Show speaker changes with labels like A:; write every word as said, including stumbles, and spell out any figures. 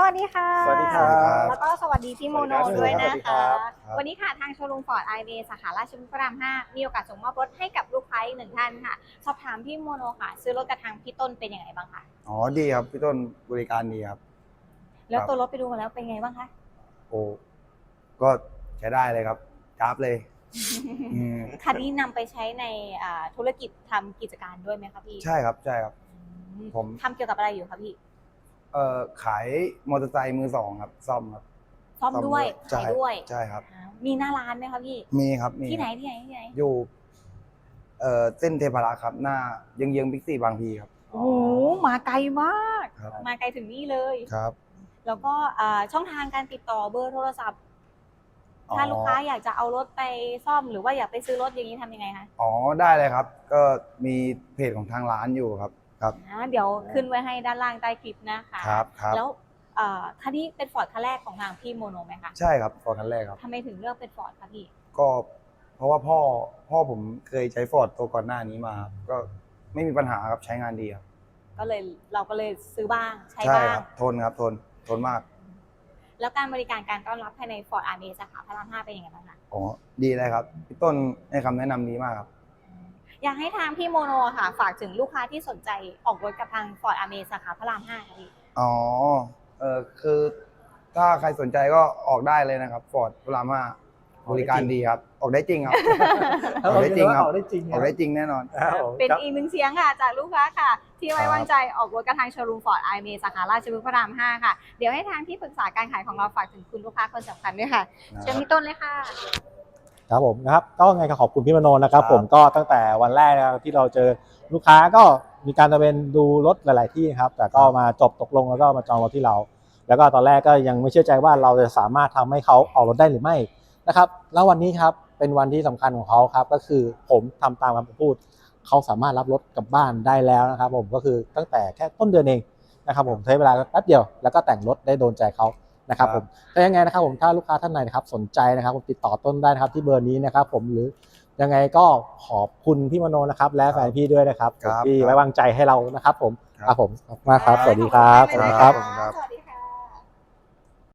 A: วัสดีค่ะ
B: สวัสดีครับ
A: แล้วก็สวัสดีพี่โมโนด้วยนะคะ
B: ครับ
A: วันนี้ค่ะทางโชว์รูมฟอร์ดไอเวสาขาราชพฤกษ์พระรามห้ามีโอกาสส่งมอบรถให้กับลูกค้าอีกหนึ่งท่านค่ะ สอบถามพี่โมโนค่ะ ซื้อรถกับทางพี่ต้นเป็นยังไงบ้างคะ
B: อ๋อดีครับพี่ต้นบริการดีครับ
A: แล้วตัวรถไปดูมาแล้วเป็นไงบ้างคะ
B: โอ้ก็ใช้ได้เลยครับกราฟเลยอืม
A: คันนี้นำไปใช้ในอ่าธุรกิจทำกิจการด้วยไหมคะพี่
B: ใช่ครับใช่ครับ
A: อืม
B: ผม
A: ทำเกี่ยวกับอะไรอยู่คะพี่
B: เอ่อขายมอเตอร์ไซค์มือสองครับซ่อมครับ
A: ซ่อมด้วย
B: ใช่
A: ขายด้วย
B: ใช่ครับ
A: อ่ามีหน้าร้านไหมคะพี่
B: มีครับมี
A: ที่ไหนที่ไหนที่ไหน
B: อยู่เอ่อเส้นเทพารักษ์ครับหน้าเยื้องเยื้องบิ๊กซีบางพีครับ
A: โอ้โหมาไกลมาก
B: ครับ
A: มาไกลถึงนี่เลย
B: ครับ
A: แล้วก็อ่าช่องทางการติดต่อเบอร์โทรศัพท์
B: อ๋อ
A: ถ้าลูกค้าอยากจะเอารถไปซ่อมหรือว่าอยากไปซื้อรถอย่างนี้ทำยังไงคะ
B: อ๋อได้เลยครับ ก็มีเพจของทางร้านอยู่ครับครับ
A: อ่าเดี๋ยวขึ้นไว้ให้ด้านล่างใต้คลิปนะคะ
B: ครับครับ
A: แล้วเอ่อคันนี้เป็นฟอร์ดคันแรกของทางพี่โมโนไหมคะ
B: ใช่ครับฟอร์ดคันแรกครับ
A: ทำไมถึงเลือกเป็นฟอร์ดคะพี่
B: ก็เพราะว่าพ่อพ่อผมเคยใช้ฟอร์ดตัวก่อนหน้านี้มาครับก็ไม่มีปัญหาครับใช้งานดีครับ
A: ก็เลยเราก็เลยซื้อบ้างใช้
B: ใช่
A: บ้า
B: ค
A: ง
B: รับทนครับทนทนมาก
A: แล้วการบริการการต้อนรับภายในฟอร์ดอาร์เมสาขาพระรามห้าเป็นยังไงบ้างคะ
B: อ๋อดีเลยครับพี่ต้นให้คำแนะนำดีมากครับ
A: อยากให้ทางพี่โมโนค่ะ ฝากถึงลูกค้าที่สนใจออกรถกับทางฟอร์ดอาร์เมสาขาพระรามห้าค่ะพี่
B: อ๋อเออคือถ้าใครสนใจก็ออกได้เลยนะครับฟอร์ดพระรามห้าบริการดีครับ ออกได้จริงครับ ออกได้จริงครับ
C: ออกได้จริง
B: ออกได้จริงแน่นอน
C: ครับผม
A: เป็น
C: ครับ
A: อีกหนึ่งเสียงค่ะจากลูกค้าค่ะ ที่ไว้
B: ครับ
A: วางใจออกรถกับทางโชว์รูมฟอร์ดไอเมสาขาราชพฤกษ์พระรามห้าค่ะ เดี๋ยวให้ทางที่ปรึกษาการขายของเราฝากถึงคุณลูกค้าคนสำคัญด้วยค่ะเชิญพี่ต้นเลยค่ะ
C: ครับผมนะครับก็ไงก็ขอบคุณพี่มโนนะครับ
B: ครับ
C: ผมก็ตั้งแต่วันแรกนะครับที่เราเจอลูกค้าก็มีการตะเวนดูรถหลาย ๆ ที่ครับแต่ก็มาจบตกลงแล้วก็มาจองรถที่เรา แล้วก็ตอนแรกก็ยังไม่เชื่อใจว่าเราจะสามารถทำให้เขาออกรถได้หรือไม่นะครับแล้ววันนี้ครับเป็นวันที่สำคัญของเขาครับก็คือผมทำตามคำพูดเขาสามารถรับรถกลับบ้านได้แล้วนะครับผมก็คือตั้งแต่แค่ต้นเดือนเองนะครับผมใช้เวลาแป๊บเดียวแล้วก็แต่งรถได้โดนใจเขานะครับผมแต่ยังไงนะครับผมถ้าลูกค้าท่านไหนนะครับสนใจนะครับผมติดต่อต้นได้นะครับที่เบอร์นี้นะครับผมหรือยังไงก็ขอบคุณพี่มโนนะครับและแฟนพี่ด้วยนะครับ
B: ครับ
C: ที่ไว้วางใจให้เรานะครับผม
B: ครับ
C: ครับผมขอบคุณมากครับสวัสดีครับ
A: ขอบ
C: สวัส
A: ณ
C: ดี
A: มาก
C: ครับ
A: เลยนะะสวัสดี